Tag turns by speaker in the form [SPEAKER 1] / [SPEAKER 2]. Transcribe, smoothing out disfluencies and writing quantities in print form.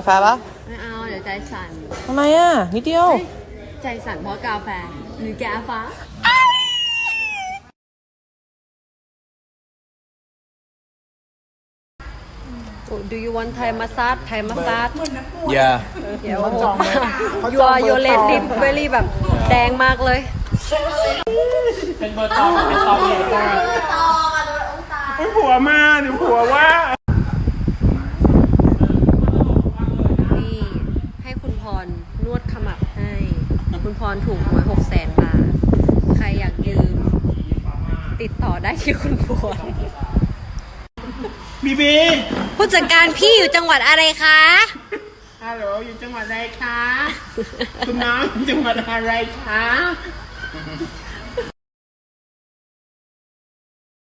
[SPEAKER 1] ปะ
[SPEAKER 2] ไม่เอาเดี๋ยวใจสั่น
[SPEAKER 1] ทำไมอ่ะนิดเดียว
[SPEAKER 2] ใจสั่นเพราะกาแฟหรือแก้ฟ้าDo you want Thai massage Thai massage
[SPEAKER 3] Yeah
[SPEAKER 2] เดี๋ยวyour red lip very แบบแดงมากเลย
[SPEAKER 4] เป็นเบอร์ตองเป็นตองใหญ่มากไม่ผัวมาหรือผัวว่า
[SPEAKER 2] นี่ให้คุณพรนวดขมับให้คุณพรถูกหวย600,000 บาทใครอยากยืมติดต่อได้ที่คุณพร
[SPEAKER 4] บีบี
[SPEAKER 2] ผู้จัดการพี่อยู่จังหวัดอะไรคะ
[SPEAKER 4] ฮัลโหลอยู่จังหวัดอะไรคะ คุณน้องอยู่จังหวัดอะไรคะ